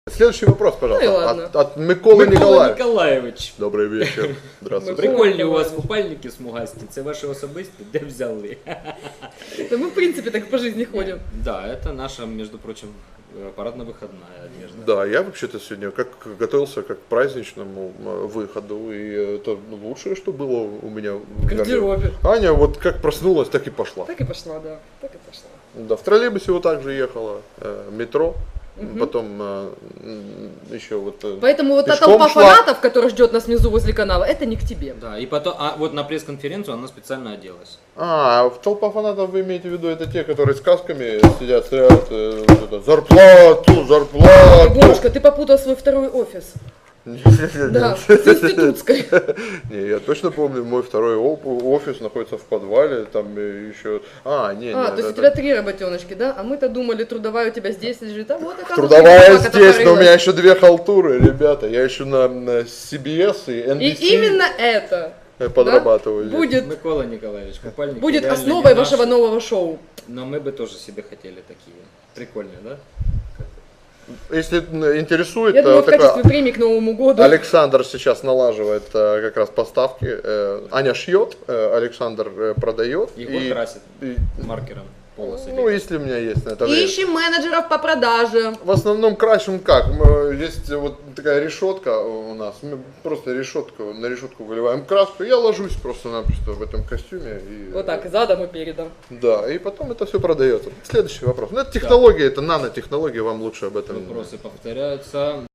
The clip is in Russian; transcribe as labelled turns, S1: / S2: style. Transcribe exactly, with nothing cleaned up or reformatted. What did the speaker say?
S1: Следующий вопрос, пожалуйста.
S2: Ну и ладно.
S1: От, от Миколы
S3: Микола
S1: Николаевича.
S3: Николаєвич.
S1: Добрий вечір. Здравствуйте.
S3: Прикольні у вас купальники смугасті. Це ваші особисті? Де взяли?
S2: Да мы, в принципе, так по жизни ходим.
S3: Да, это наша, между прочим, парадно-выходная одежда.
S1: Да, я вообще-то сегодня как готовился как к праздничному э, выходу, и это лучшее, что было у меня в
S2: В гардеробе.
S1: Аня вот как проснулась, так и пошла.
S2: Так и пошла, да. Так и пошла.
S1: Да, в троллейбусе вот так же ехала, э, метро,
S2: Мгм.
S1: потом э, м, еще вот... э,
S2: Поэтому вот та
S1: пешком
S2: толпа
S1: шла.
S2: фанатов, которая ждет нас внизу возле канала, это не к тебе.
S3: Да, и потом, а вот на пресс-конференцию она специально оделась.
S1: А, в толпа фанатов вы имеете в виду, это те, которые с касками сидят, стоят, э, вот это, зарплату, зарплату.
S2: Егорушка, ты попутал свой второй офис. Да, с институтской.
S1: Не, я точно помню, мой второй оп- офис находится в подвале, там э, еще... А, не,
S2: А,
S1: не,
S2: то есть
S1: это-
S2: у тебя три работеночки, да? А мы-то думали, трудовая у тебя здесь лежит. А вот это
S1: Трудовая здесь, но у меня еще две халтуры, ребята. Я еще на, на си би эс и эн би
S2: И
S1: си
S2: именно это
S1: подрабатываю. здесь.
S2: будет,
S3: Микола Николаевич, купальники
S2: будет
S3: реально
S2: основой
S3: не
S2: вашего
S3: наши,
S2: нового шоу.
S3: Но мы бы тоже себе хотели такие. Прикольные, да?
S1: Если м, интересует,
S2: Я думаю,
S1: э,
S2: в
S1: такой
S2: качестве премии к Новому году.
S1: Александр сейчас налаживает э, как раз поставки. Э, Аня шьет, э, Александр э, продает.
S3: Егор
S1: и-
S3: красит
S1: и-
S3: маркером полосы.
S1: ну, если у меня есть на это время.
S2: Ищем менеджеров по продаже.
S1: В основном красим как? Мы- Есть вот такая решетка у нас. Мы просто решетку, на решетку выливаем краску. Я ложусь просто-напросто в этом костюме. И,
S2: Вот так, задом и передом.
S1: Да, и потом это все продается. Следующий вопрос. Ну, это технологии, это нанотехнологии, вам лучше об этом.
S3: Вопросы повторяются.